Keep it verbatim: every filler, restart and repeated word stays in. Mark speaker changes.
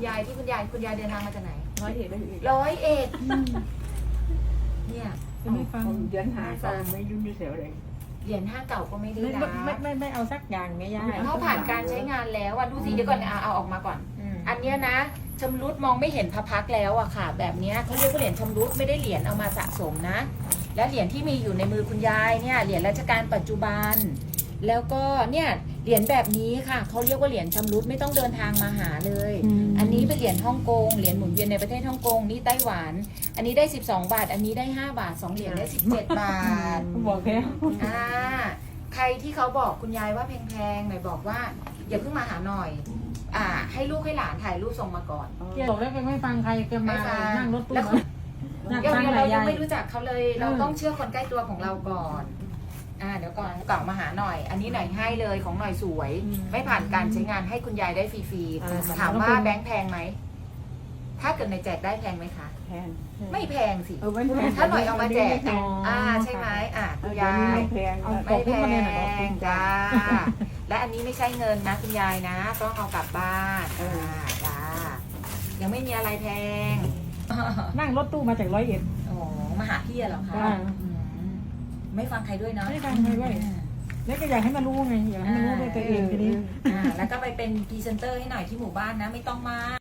Speaker 1: ยายที่คุณยายคุณยายเดินทางมาจากไหน
Speaker 2: ร้อยเอ็ดร้อยเอ็ด
Speaker 1: ร้อยเอ็ดเนี่ย
Speaker 3: จะไม่ฟัง
Speaker 2: เดือนหาก็ไม่ยุ่งไม่เสียวเลย
Speaker 1: เหรียญห้าเก่าก็ไม่ได้
Speaker 3: ไม่
Speaker 1: นะ
Speaker 3: ไม่ไม่ไม่เอาสักอย่างไม่ยาก
Speaker 1: เพราะผ่านการใช้งานแล้วอ่ะดูสิเดี๋ยวก่อนเอาเอาออกมาก่อน อันเนี้ยนะชำรุดมองไม่เห็นพระพักตร์แล้วอะค่ะ แบบเนี้ยเขาเรียกว่าเหรียญชำรุดไม่ได้เหรียญเอามาสะสมนะ และเหรียญที่มีอยู่ในมือคุณยายเนี่ยเหรียญรัชกาลปัจจุบัน แล้วก็เนี่ยเหรียญแบบนี้ค่ะเขาเรียกว่าเหรียญชำรุดไม่ต้องเดินทางมาหาเลย อันนี้เป็นเหรียญฮ่องกงเหรียญหมุนเวียนในประเทศฮ่องกงนี่ไต้หวัน อันนี้ได้สิบสองบาท อันนี้ได้ห้าบาทสองเหรียญได้สิบเจ็ดบาท
Speaker 3: บอกแล้ว
Speaker 1: อ่าใครที่เขาบอกคุณยายว่าแพงๆหน่อยบอกว่าอย่าเพิ่งมาหาหน่อย อ่า ให้ลูกให้หลานถ่ายรูปส่งมาก่อน
Speaker 3: แกบอกแล้วแกไม่ฟังใครแกมา
Speaker 1: ไม่ฟัง
Speaker 3: นั่งรถตู้
Speaker 1: แล้ว
Speaker 3: นั่ง
Speaker 1: เดี๋ยว
Speaker 3: ฟัง
Speaker 1: เรา
Speaker 3: หลาย
Speaker 1: ยั
Speaker 3: ยาง ย
Speaker 1: ไม่รู้จักเขาเลย เรา
Speaker 3: อืม
Speaker 1: ต้องเชื่อคนใกล้ตัวของเราก่อน อ่า เดี๋ยวก่อนเก่ามาหาหน่อย อันนี้หน่อยให้เลยของหน่อยสวย ไม่ผ่านการใช้งานให้คุณยายได้ฟรีๆ ถามว่าแบงค์แพงไหม ถ้าเกิดในแจกได้แพงไหมคะ
Speaker 2: แทน
Speaker 1: ไม่แพงสิ
Speaker 2: เออไม่แพง
Speaker 1: ถ้าหน่อยเอามาแจก
Speaker 2: แพง
Speaker 1: อ่า ใช่ไหมอ่าคุณ
Speaker 2: ยาย
Speaker 1: าย
Speaker 2: ไม่แพง
Speaker 3: เอา
Speaker 1: ไม่แพ
Speaker 3: ขอบคุณมาเนี่ยหน่อย
Speaker 1: งจ้า และอันนี้ไม่ใช่เงินนะคุณยายนะ ต้องเอากลับบ้านอ่าจ้า ยังไม่มีอะไรแพง
Speaker 3: นั่งรถตู้มาจากร้อยเอ็ด
Speaker 1: โอ้มาหาพี่เหรอคะ
Speaker 3: จ้า
Speaker 1: อืมไม่ฟังใครด้วยเนาะ
Speaker 3: ไม่ฟังใครด้วย แล้วก็อยากให้มารู้ไงอยากให้มารู้ด้วยตัวเองทีนี้
Speaker 1: อ่าแล้วก็ไปเป็นพรีเซนเตอร์ให้หน่อยที่หมู่บ้านนะ ไม่ต้องมา